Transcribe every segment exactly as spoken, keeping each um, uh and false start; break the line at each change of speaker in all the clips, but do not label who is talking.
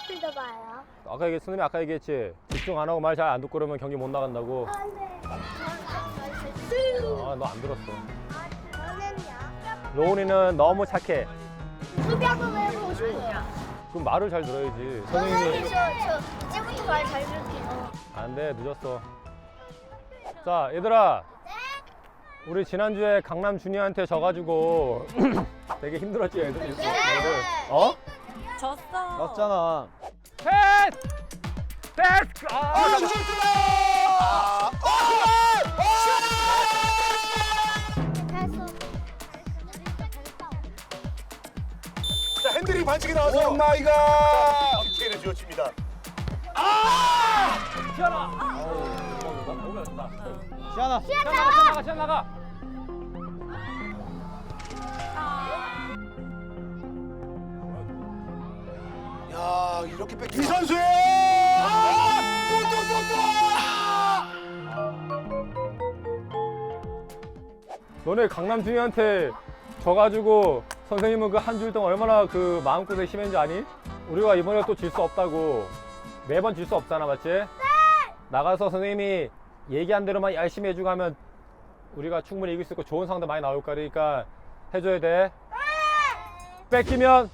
스피드 봐요.
아까 얘기 선생님이 아까 얘기했지. 집중 안 하고 말 잘 안 듣고 그러면 경기 못 나간다고.
안 돼.
아, 너 안 들었어.
저는요.
로운이는 너무 착해.
수비하고 외우고 싶어요.
그럼 말을 잘 들어야지. 선생님이.
저, 저 이제부터 말 잘 들게요.
안 돼, 늦었어. 자, 얘들아. 우리 지난주에 강남 준이한테 져가지고 되게 힘들었지, 애들. 애들. 어?
졌어.
맞잖아.
패스! 패스! 아,
슛 들어!
자, 핸들링 반칙이 나와서
오 마이 갓!
피해를 주어집니다.
시원아! 너무 잘했다.
시안아.
시원 나가, 시원 나가, 시원 나가.
야, 이렇게 뺏기.
이 선수의
아!
너네 강남 준이한테 져가지고 선생님은 그 한 주 동안 얼마나 그 마음고생 심했는지 아니? 우리가 이번에 또 질 수 없다고. 매번 질 수 없잖아, 맞지? 네! 나가서 선생님이 얘기한 대로만 열심히 해주고 하면 우리가 충분히 이길 수 있고 좋은 상대 많이 나올 거니까 해줘야 돼. 네! 뺏기면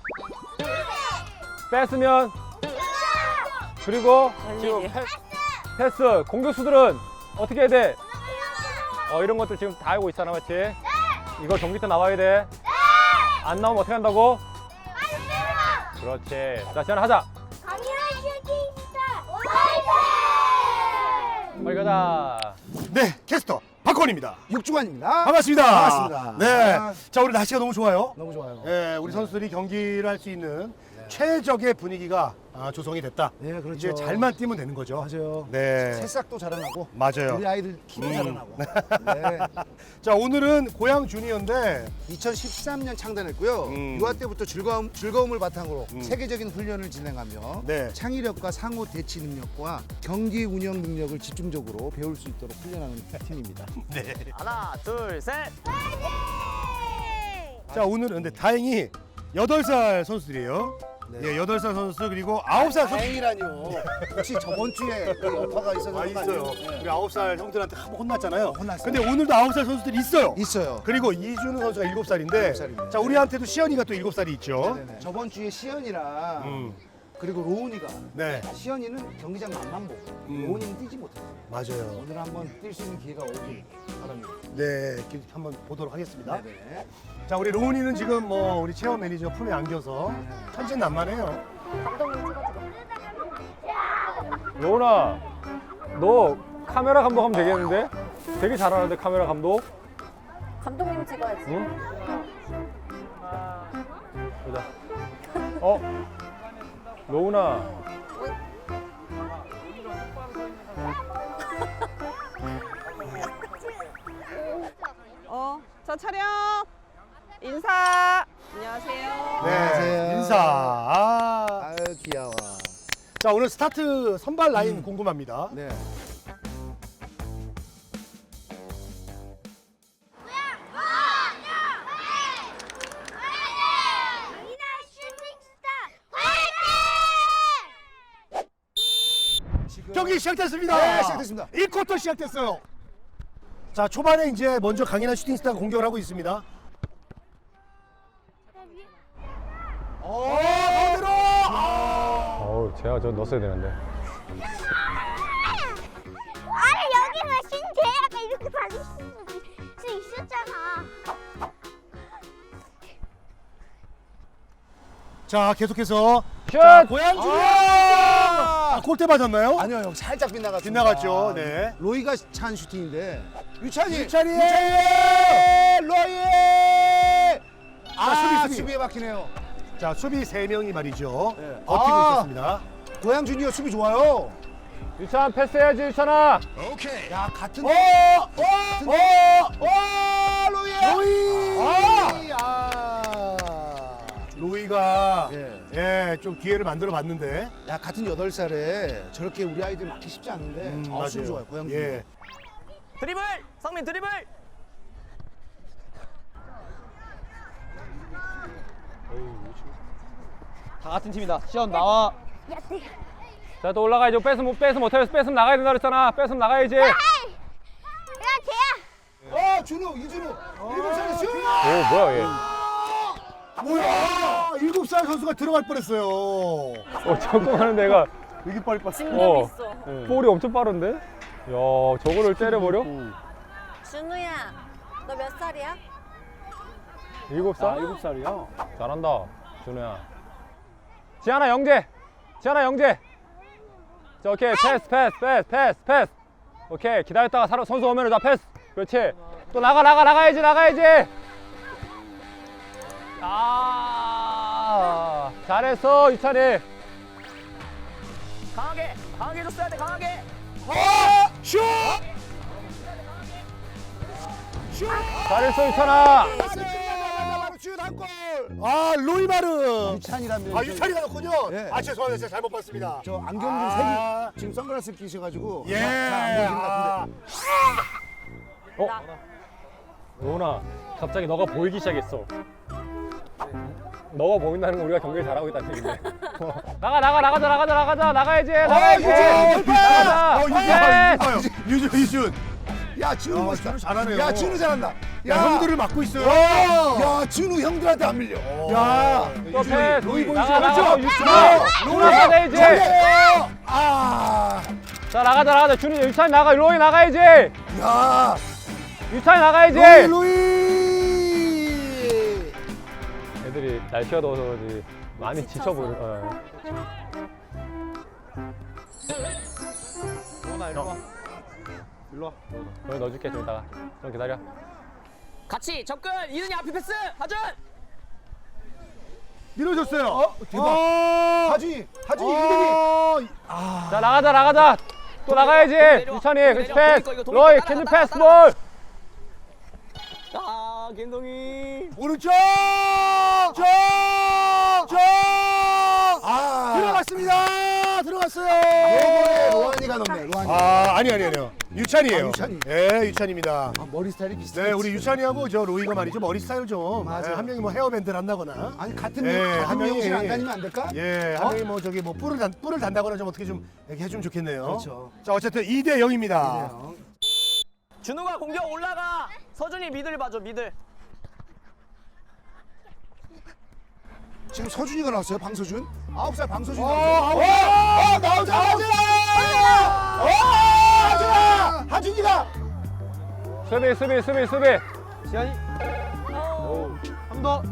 뺐으면 그리고 지금 패, 패스 공격수들은 어떻게 해야 돼? 어 이런 것들 지금 다 알고 있잖아, 맞지? 이거 경기 때 나와야 돼. 안 나오면 어떻게 한다고? 그렇지. 자, 시간 하자.
강렬한 슈팅스타 화이팅!
빨리 가자.
네, 캐스터 박건입니다.
육주관입니다.
반갑습니다.
반갑습니다.
네.
아.
자, 오늘 날씨가 너무 좋아요.
너무 좋아요.
네, 우리 선수들이 경기를 할 수 있는 최적의 분위기가 아, 조성이 됐다.
네, 그렇죠.
이제 잘만 뛰면 되는 거죠.
맞아요.
네.
새싹도 자라나고
맞아요.
우리 아이들 키도
음.
자라나고. 네.
자, 오늘은 고양 주니어인데
이천십삼 년 창단했고요.
음.
유아 때부터 즐거움, 즐거움을 바탕으로
음.
세계적인 훈련을 진행하며
네.
창의력과 상호 대치 능력과 경기 운영 능력을 집중적으로 배울 수 있도록 훈련하는 팀입니다.
하나, 둘, 셋.
자, 오늘은 근데 다행히 여덟 살 선수들이에요.
네.
예, 여덟 살 선수 그리고 아홉 살 선수
다행이라뇨. 혹시 저번 주에 그 여파가 있어서
아,
그런 거
있어요.
아니에요? 네.
우리 아홉 살 형들한테 한번 혼났잖아요.
혼났어요.
근데 오늘도 아홉 살 선수들이 있어요.
있어요.
그리고 이준우 선수가 일곱 살인데
일곱 살입니다.
자, 우리한테도 시연이가 또 일곱 살이 있죠.
네네. 저번 주에 시연이랑
음.
그리고 로운이가
네.
시연이는 경기장 맛만 보고
음.
로운이는 뛰지 못했어요.
맞아요.
오늘 한번 뛸 수 있는 기회가 오길 바랍니다.
네, 이렇게 한번 보도록 하겠습니다.
네네.
자, 우리 로운이는 지금 뭐 우리 체험 매니저 품에 안겨서 천진난만해요.
로운아, 너 카메라 감독하면 되겠는데? 되게 잘하는데 카메라 감독?
감독님 찍어야지.
응? 보자. 어? 로운아.
어, 저 촬영. 인사. 안녕하세요.
네,
안녕하세요.
인사. 아.
아유 귀여워.
자, 오늘 스타트 선발 라인 궁금합니다.
네.
강렬한 슈팅스타 화이팅!
경기 시작됐습니다.
네, 시작됐습니다.
일 쿼터 시작됐어요. 자, 초반에 이제 먼저 강인한 슈팅스타가 공격을 하고 있습니다. 어, 가운데로! 아!
어우, 제가 저 넣었어야 되는데.
아니 여기는 신재야가 이렇게 받을 수 있었잖아.
자, 계속해서
슛!
자, 고양 주니어!
아!
아, 골대 맞았나요?
아니요, 형 살짝 빗나갔습니다.
빗나갔죠, 네.
로이가 찬 슈팅인데 유찬이.
유찬이!
로이.
아, 수비, 수비.
수비에 막히네요.
자, 수비 세 명이 말이죠.
네.
버티고
아.
있었습니다.
고양 주니어 수비 좋아요.
유찬 패스해야지, 유찬아.
야 같은.
어! 어!
같은-
어!
어 로이.
로이!
아. 아.
로이가
예.
예, 좀 기회를 만들어 봤는데.
야 같은 여덟 살에 저렇게 우리 아이들 막기 쉽지 않은데.
음,
아, 수비 좋아요. 고양 주니어.
예.
드리블. 성민 드리블.
다 같은 팀이다. 시연 나와.
야, 내가.
자, 또 올라가야죠. 뺏으면 못 뺏으면 못해. 뺏으면 나가야 된다 그랬잖아. 뺏으면 나가야지.
야, 쟤야.
어, 준우, 이준우. 일곱 살에 슛!
오, 뭐야 얘.
뭐야? 일곱 살 선수가 들어갈 뻔했어요.
어, 잠깐 하는데 얘가
되게 빨리 빨리.
진감
어,
있어.
볼이 엄청 빠른데? 야, 저거를 때려버려?
준우야, 너 몇 살이야?
일곱 살?
아, 일곱 살이요?
잘한다, 준우야. 지하나 영재! 지하나 영재! 자, 오케이. 패스, 패스, 패스, 패스, 패스. 오케이. 기다렸다가 사람, 선수 오면 자, 패스. 그렇지. 또 나가, 나가, 나가야지, 나가야지. 아, 잘했어, 유찬이.
강하게, 강하게 줬어야 돼, 강하게.
어! 슛!
잘했어, 유찬아.
슛한 골. 아, 로이마르.
유찬이라면.
아, 유찬이가 넣군요.
예.
아, 죄송합니다. 제가 잘못 봤습니다.
저 안경 좀
아.
색이 지금 선글라스 끼셔가지고
예.
잘안 보이는 것 같은데.
어? 로운아, 갑자기 너가 보이기 시작했어. 너가 보인다는 건 우리가 경기를 잘하고 있다는 얘기인데. 어. 나가, 나가, 나가자, 나가자, 나가자, 나가야지, 나가야지.
유준!
나가자.
어, 유준
예.
봐요, 유준 봐요. 유준, 유준.
야, 준우
야,
멋있다.
준우 잘하네요.
야, 준우 잘한다.
야, 형들을 막고 있어요.
야, 준우 형들한테 안 밀려. 야,
또 패스.
로이 보이죠?
나가, 나가,
그렇죠?
유찬.
로이
로이 나가야지.
잘해요. 아,
자, 나가자, 나가자. 준이, 유찬이 나가, 로이 나가야지.
야,
유찬이 나가야지.
로이, 로이.
애들이 날씨가 더워서 그런지 많이 지쳐 보여. 어.
로운아, 일로 와. 일로 와.
여기 넣어줄게, 좀 이따가. 좀 기다려.
같이 접근. 이준이 앞에 패스. 하준.
밀어줬어요.
어, 대박.
어,
하준이, 하준이
어,
이대리.
자, 나가자, 나가자. 또 나가야지.
내려와.
유찬이,
내려와.
그렇지,
내려와.
패스.
이거, 이거
로이,
따라가,
캔디
따라가,
패스
따라가.
볼.
아, 김동희.
오른쪽! 쪽! 쪽!
아,
들어갔습니다. 들어갔어요.
이번에 로한이가 넣네. 로한이.
아, 아니 아니 아니요. 유찬이에요.
아, 유찬이.
예, 유찬입니다.
아, 머리 스타일이 비슷해.
네, 우리 유찬이하고 저 로이가 말이죠. 머리 스타일 좀.
맞아.
예, 한 명이 뭐 헤어밴드를 한다거나.
아니 같은
예,
명,
한
같은
명이-
명실 안 다니면 안 될까?
예, 한
어?
명이 뭐 저기 뭐 뿔을 단 뿔을 단다거나 좀 어떻게 좀 이렇게 해주면 좋겠네요.
그렇죠.
자, 어쨌든 이 대 영입니다.
그래요.
준우가 공격 올라가. 서준이 미들 봐줘, 미들.
지금 서준이가 나왔어요. 방서준. 아홉 살 방서준.
어,
나왔어요.
어, 어, 나오자, 나오자! 어, 하준아! 하준이가!
수비, 수비, 수비, 수비.
지한이. 한 더.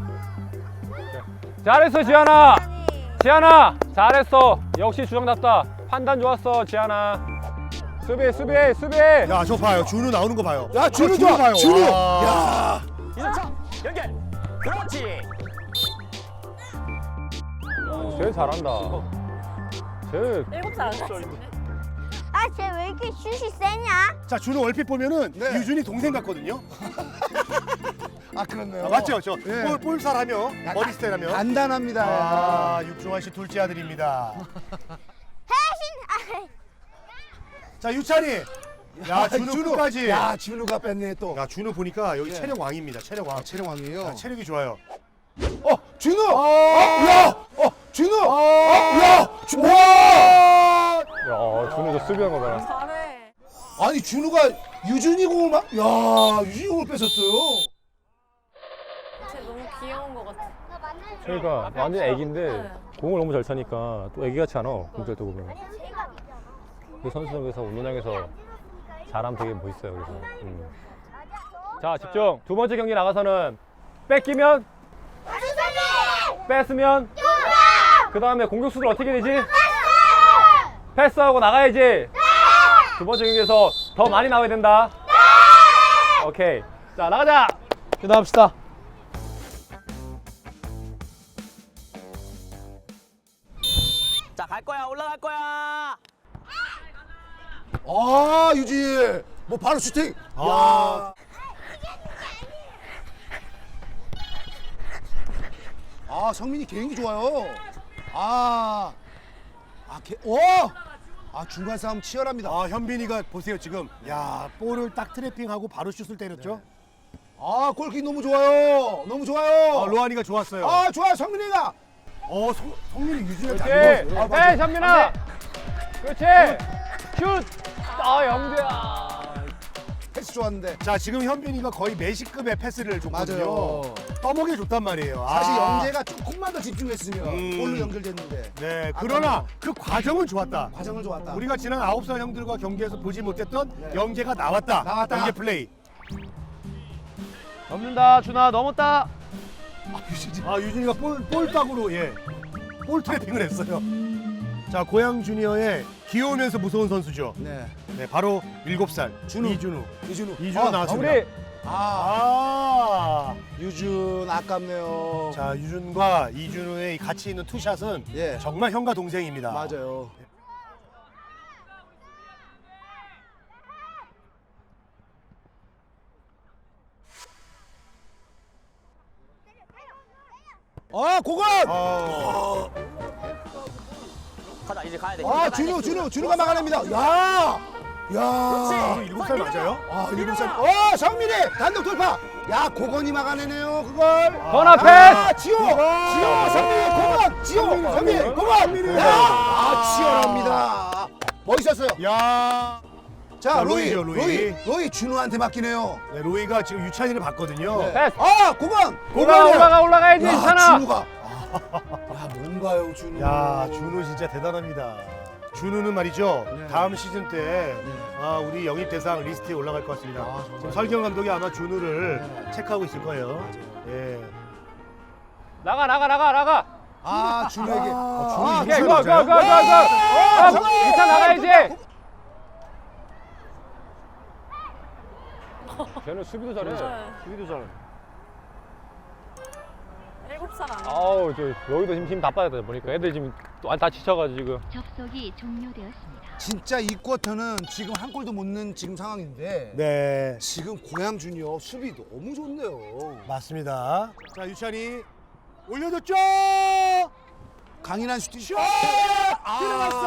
잘했어, 지한아. 지한아, 잘했어. 역시 주장답다. 판단 좋았어, 지한아. 수비, 수비, 수비.
야, 저 봐요. 준우 나오는 거 봐요.
야, 준우
어,
좋아.
봐요.
준우.
와.
야.
이준차 연결. 그렇지.
제일 잘한다. 제일
일곱 살 아니야?
아, 쟤 왜 이렇게 슛이 세냐?
자, 준우 얼핏 보면은
네.
유준이 동생 같거든요.
아, 그렇네요.
아, 맞죠? 저
예.
볼, 볼살하며
야,
머리 스타일하며.
간단합니다.
아, 육종환 씨 둘째 아들입니다.
해신!
자, 유찬이. 야, 준우 끝까지. 야,
야, 준우가 뺐네 또.
준우 보니까 여기
예.
체력 왕입니다. 체력 왕.
아, 체력왕이에요.
아, 체력이 좋아요.
어, 준우. 어, 야, 어, 준우. 어, 야, 준우. 와.
야, 준우도 수비한 거 봐라.
잘해.
아니 준우가 유준이 공을 막, 야, 유준이 공을 뺏었어요.
쟤 너무 귀여운 것 같아.
그러니까 완전 애기인데 공을 너무 잘 차니까 또 애기 같지 않아. 공절 때 보면. 그 선수들에서 운동장에서 잘하면 되게 멋있어요. 그래서. 음. 자, 집중. 두 번째 경기 나가서는 뺏기면 뺐으면 그 다음에 공격수들 어떻게 되지? 패스하고 나가야지. 두 번째 경기에서 더 많이 나와야 된다. 오케이. 자, 나가자.
기도합시다.
자, 갈 거야. 올라갈 거야.
아, 유진. 뭐 바로 슈팅.
아.
아, 성민이 개인기 좋아요. 아, 아, 개, 오, 아 중간 싸움 치열합니다.
아, 현빈이가 보세요 지금. 야, 볼을 딱 트래핑하고 바로 슛을 때렸죠.
아, 골킥 너무 좋아요. 너무 좋아요.
아, 로한이가 좋았어요.
아, 좋아요, 성민이가.
어, 성, 성민이 유준이 다
그렇지.
밀었어요.
해, 현민아. 그렇지. 슛. 아, 영재야.
패스 좋았는데.
자, 지금 현빈이가 거의 메시급의 패스를 줬거든요.
맞아요.
떠먹여 줬단 말이에요.
사실
아.
영재가 조금만 더 집중했으면
음.
골로 연결됐는데
네, 그러나 그 과정은 좋았다.
과정을 좋았다.
우리가 지난 아홉 살 형들과 경기에서 보지 못했던
네.
영재가 나왔다.
나왔다.
영재 플레이.
넘는다 준아 넘었다.
아, 유진이가 볼, 볼딱으로 예, 볼 트래핑을 했어요. 자, 고양 주니어의 귀여우면서 무서운 선수죠.
네.
네, 바로 일곱 살
준우.
이준우.
이준우.
이준우
아,
나왔습니다.
우리
아,
아,
유준 아깝네요.
자, 유준과 이준우의 이 같이 있는 투샷은
예.
정말 형과 동생입니다.
맞아요. 아, 고건!
아,
가자 이제 가야 돼.
아, 준우, 준우, 준우가 막아냅니다. 야! 야!
준우 일곱 살 맞아요?
아, 일곱 살. 어, 성민이 단독 돌파. 야, 고건이 막아내네요, 그걸.
전화
아,
패스.
지호! 지호, 성민이, 고건! 지호, 성민이, 고건! 야! 아, 치열합니다. 멋있었어요.
야,
자,
자,
로이,
로이죠, 로이.
로이, 로이 준우한테 맡기네요.
네, 로이가 지금 유찬이를 봤거든요.
네.
패스.
아, 고건!
올라가 올라가 올라가야지.
야,
괜찮아.
준우가. 야, 뭔가요, 준우.
야, 준우 진짜 대단합니다. 준우는 말이죠.
네.
다음 시즌 때 아, 우리 영입 대상 리스트에 올라갈 것 같습니다.
아, 정말요?
지금 설경 감독이 아마 준우를
네.
체크하고 있을 거예요. 예.
나가 나가 나가 나가.
아, 준우에게.
아,
오케이,
준우
고, 고, 고, 고, 고. 아,
성민!
이차 나가야지. 쟤는 수비도 잘해. 수비도 잘해.
일곱 살 아니야?
아우, 저 여기도 힘 다 빠졌다 보니까 애들 지금 또 다 지쳐가지고 지금.
접속이 종료되었습니다.
진짜 이 쿼터는 지금 한 골도 못 넣은 지금 상황인데
네,
지금 고양 주니어 수비 너무 좋네요.
맞습니다. 자, 유찬이 올려줬죠.
강인한 슈팅. 슛!
들어갔어.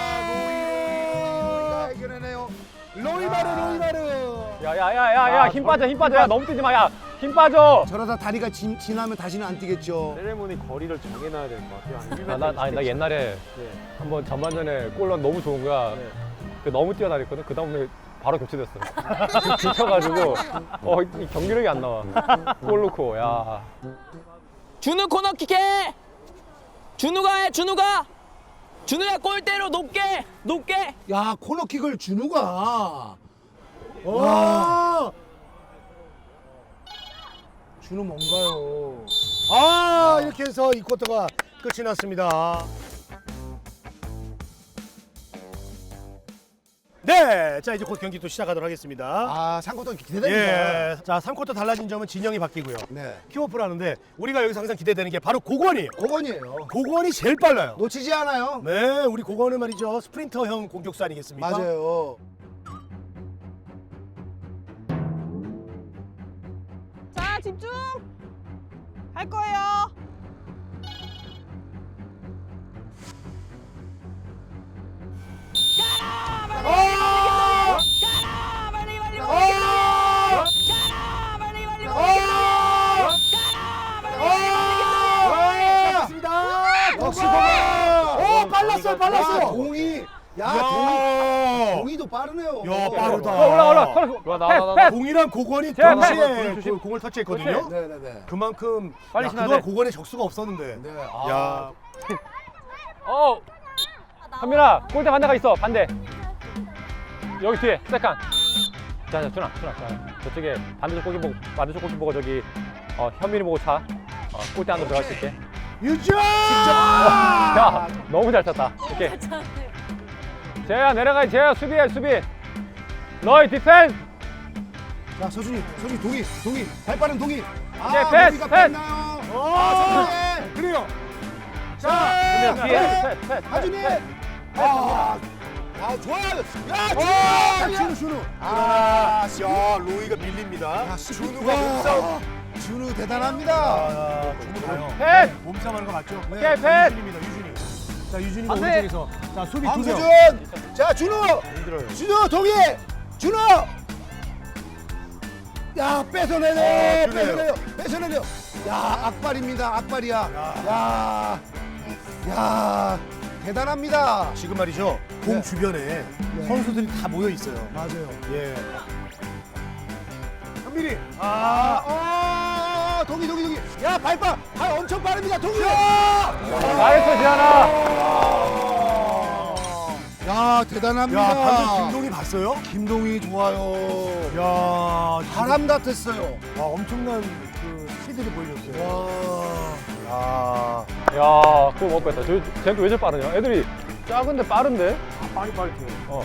로이가 해결해내요.
로이마르, 로이마르.
야야야야야 힘 빠져 힘 빠져. 야 너무 뛰지 마. 야 힘 빠져.
저러다 다리가 지, 지나면 다시는 안 뛰겠죠.
세레모니 거리를 정해놔야 될 것 같아요.
아, 나, 아니 나 옛날에
네.
한번 전반전에 골 너무 좋은 거야.
네.
그 너무 뛰어다녔거든. 그 다음에 바로 교체됐어. 지금 지쳐가지고 어, 이 경기력이 안 나와. 골 넣고 야.
준우 코너킥 해. 준우가 해. 준우가. 준우야 골대로 높게 높게.
야, 코너킥을 준우가.
와.
준우 뭔가요?
아, 이렇게 해서 이 쿼터가 끝이 났습니다. 네, 자 이제 곧 경기 또 시작하도록 하겠습니다.
아, 삼 쿼터 기대됩니다.
예, 자 삼 쿼터 달라진 점은 진영이 바뀌고요.
네.
킥오프를 하는데 우리가 여기서 항상 기대되는 게 바로 고건이에요.
고건이에요.
고건이 제일 빨라요.
놓치지 않아요.
네, 우리 고건은 말이죠 스프린터형 공격수 아니겠습니까?
맞아요.
자, 집중! 할 거예요.
어!
가라 빨리 빨리
어!
빨리. 가라 빨리 빨리 빨리.
어! 맞습니다.
역시 고건.
오, 빨랐어요, 빨랐어요.
야, 동이. 야, 동이.
야,
동이도 빠르네요.
야, 빠르다.
어, 올라 올라. 올라.
나, 나, 나,
패스 패스.
공이랑 고건이
제,
동시에
패스.
그 공을 터치했거든요.
네, 네, 네.
그만큼
빨리
야,
신어야
그동안
돼.
고건의 적수가 없었는데.
네.
야,
어. 현민아 골대 반대가 있어. 반대. 여기 뒤에 세컨. 자, 자, 준아, 준아, 자, 저쪽에 반대쪽 골키 보고, 반대쪽 골키 보고 저기 어, 현민이 보고 차. 어, 골대 안으로 들어갈 수 있게.
유준!
야, 너무 잘 쳤다. 오케이. 재야 내려가. 재야 수비해, 수비. 너희 디펜스.
자, 서준이, 서준이 동이, 동이, 발 빠른 동이. 아,
네, 패스,
동이가
패스.
뺐나요?
어,
아, 서준이.
그래요.
현민아
자,
뒤에.
패스,
패스, 패스,
하준이.
패스.
아, 아, 좋아요. 야,
와,
준우,
준우, 준우.
아,
야, 로이가 밀립니다.
야,
준우가 몸싸움.
준우 대단합니다.
아, 준우 가요.
패스.
몸싸움하는 거 맞죠?
오케이, 패스.
유준입니다, 유준이. 자, 유준이가
안 돼.
오른쪽에서. 자, 수비 두 명.
황수준. 자, 준우.
힘들어요.
준우, 동이. 준우. 야, 뺏어내네.
아, 그래요.
뺏어내요. 뺏어내요. 야, 악발입니다. 악발이야. 야. 야 대단합니다.
지금 말이죠. 공
네.
주변에 선수들이 다 모여 있어요.
맞아요.
예. 현민이.
아, 어, 동이 동이 동이. 야 발빠 발 엄청 빠릅니다. 동이.
잘했어 지현아.
야 대단합니다.
야, 방금 김동희 봤어요?
김동희 좋아요.
야,
바람 같았어요.
와, 엄청난 그 스피드를 보여줬어요.
와.
야,
야 그거 못 뺐다. 저 쟤도 왜 저렇게 빠르냐? 애들이 작은데 빠른데?
빨리 빨리 튀어.
어.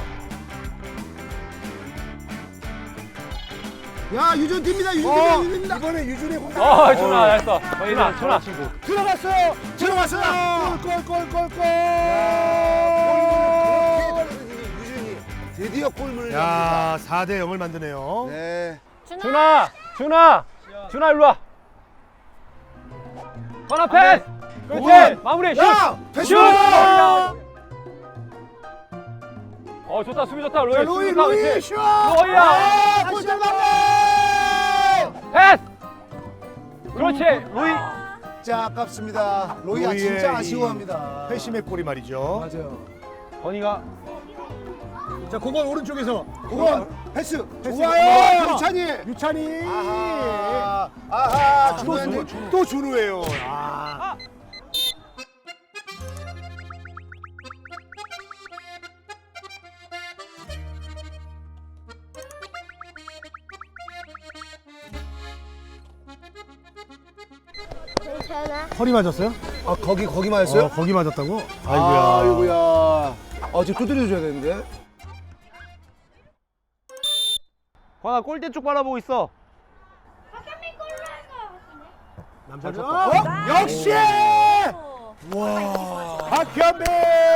야 유준 뜁니다. 유준
어,
뜁니다. 유준 뜁니다.
이번에 유준의 공격.
아 준아 잘했어. 준아 준아.
들어갔어요. 들어갔어요. 골골골골. 유준이 드디어 골문을 엽니다.
야, 사 대 영을 만드네요.
네.
준아 준아 준아 일로 와. 하나 패스. 그렇지.
오!
마무리 슛.
야 패스.
슛. 어 좋다 수비 좋다 로이.
로이
수비 좋다,
로이
그렇지.
슛.
로이야.
아, 골대 맞네.
패스. 그렇지. 로이.
자 아깝습니다. 로이야
로이의
진짜
이
아쉬워합니다.
회심의 골이 말이죠.
맞아요.
건이가
자, 그건 오른쪽에서.
그건 패스.
패스.
좋아요.
와,
유찬이.
유찬이.
아하. 아하.
또,
준호였네.
준우, 또 준우예요. 아.
괜찮아.
허리 맞았어요?
아 거기 거기 맞았어요?
어, 거기 맞았다고?
아이고야.
아이고야.
아 지금 두드려 줘야 되는데.
권아 골대 쪽 바라보고 있어.
남자
어? 역시.
와. 박현빈.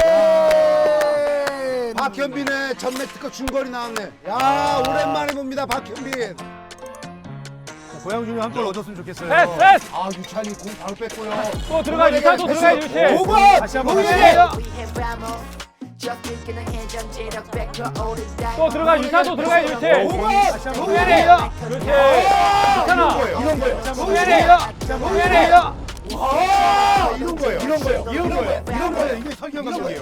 박현빈의 전매 특허 중거리 나왔네. 야 오랜만에 봅니다 박현빈.
고양준이 한 골 얻었으면 좋겠어요.
패스 패스.
아 유찬이 공 바로 뺐고요.
또 들어가 유찬 또 들어가 유치.
오번.
다시 한번
로이.
또 들어가 유찬 또 들어가 유치.
오번.
동현이. 그렇지. 괜찮아.
이런 거예요.
동현이. 동현이.
아 이런 거예요. 이런 거예요.
이런 거예요. 이런 거예요. 이게 설경 감독이에요.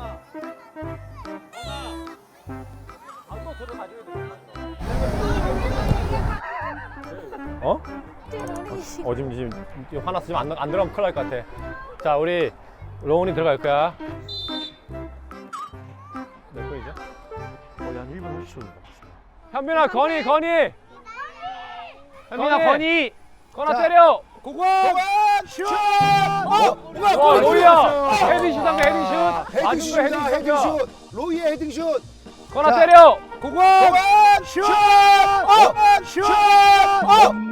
어? 어 지금 지금 지금 화났어. 지금 안, 안 들어가면 큰일 날 것 같아. 자 우리 로운이 들어갈 거야. 몇 분이죠?
거의 한 일 분 삼십 초 정도.
현빈아 건이 건이.
현민아 건이.
건아
자.
때려.
고건. 슛. 어.
와 로이야. 헤딩슛 한거 헤딩슛. 맞은 거
헤딩슛이다.
헤딩슛.
헤딩슛. 로이의 헤딩슛.
건아
자.
때려.
고건. 고건. 슛. 어. 슛. 어.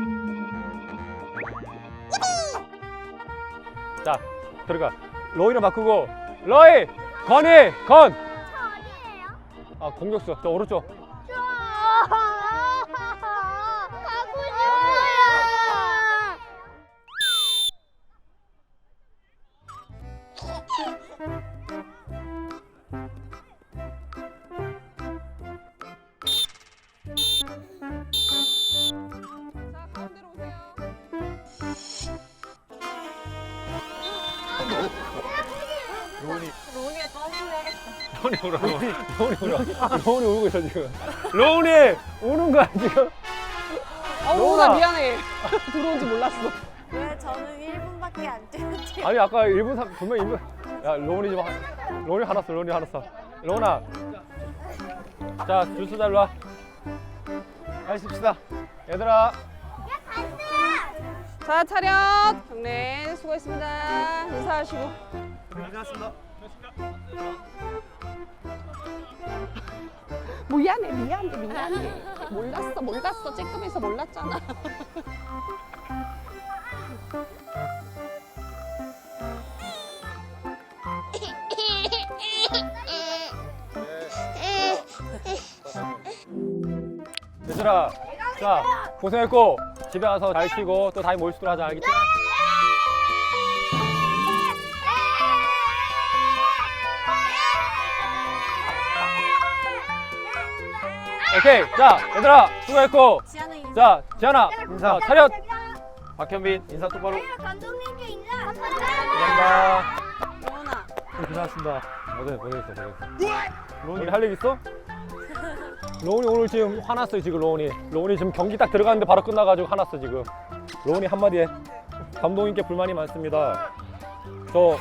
자 들어가. 로이를 바꾸고 로이 건이 건.
어디예요?
아 공격수 저 오른쪽.
가고 싶어요.
자, 가운데로 오세요. 로운이가 점프해야겠다.
로운이 울어. 로운이 울어. 로운이 울고 있어 지금. 로운이 우는 거야 지금.
어우,
로운아.
나 미안해. 들어온 줄 몰랐어.
왜 저는 일 분밖에 안 뛰었지?
아니 아까 일 분 삼 분명 일 분. 야 로운이 좀 하- 로운이 화났어. 로운이 화났어. 로운아. 자 주스 잘 놔. 하십시다. 얘들아.
자, 차렷. 경례 수고했습니다. 인사하시고.
고생하셨습니다.
미안해, 미안해, 미안해. 몰랐어, 몰랐어. 쬐끔해서 몰랐잖아.
얘들아. 자 고생했고 집에 가서 잘 쉬고 또 다시 모일 수 있도록 하자. 알겠지? 오케이. 자 얘들아 수고했고.
지안아 인사.
자 지안아 인사 차렷.
박현빈 인사 똑바로.
감독님께 인사.
감사합니다. 고생하셨습니다. 고생, 고생했어, 고생했어. 로운이 할 얘기 있어? 로운이 오늘 지금 화났어요, 지금 로운이. 로운이 지금 경기 딱 들어갔는데 바로 끝나가지고 화났어, 지금. 로운이 한마디 해. 감독님께 불만이 많습니다. 저, 어.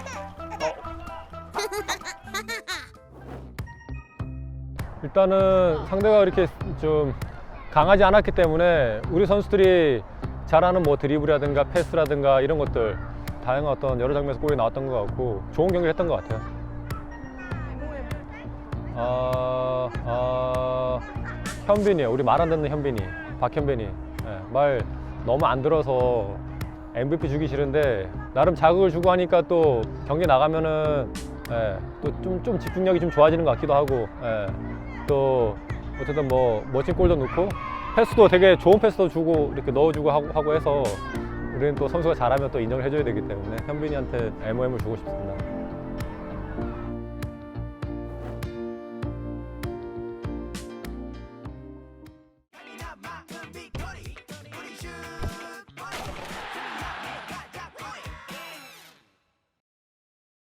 일단은 상대가 이렇게 좀 강하지 않았기 때문에 우리 선수들이 잘하는 뭐 드리블이라든가 패스라든가 이런 것들 다양한 어떤 여러 장면에서 골이 나왔던 것 같고 좋은 경기를 했던 것 같아요. 아, 아, 현빈이요. 우리 말 안 듣는 현빈이, 박현빈이. 예, 말 너무 안 들어서 엠브이피 주기 싫은데 나름 자극을 주고 하니까 또 경기 나가면은 예, 또 좀 좀 집중력이 좀 좋아지는 것 같기도 하고 예, 또 어쨌든 뭐 멋진 골도 넣고 패스도 되게 좋은 패스도 주고 이렇게 넣어주고 하고, 하고 해서 우리는 또 선수가 잘하면 또 인정을 해줘야 되기 때문에 현빈이한테 엠오엠을 주고 싶습니다.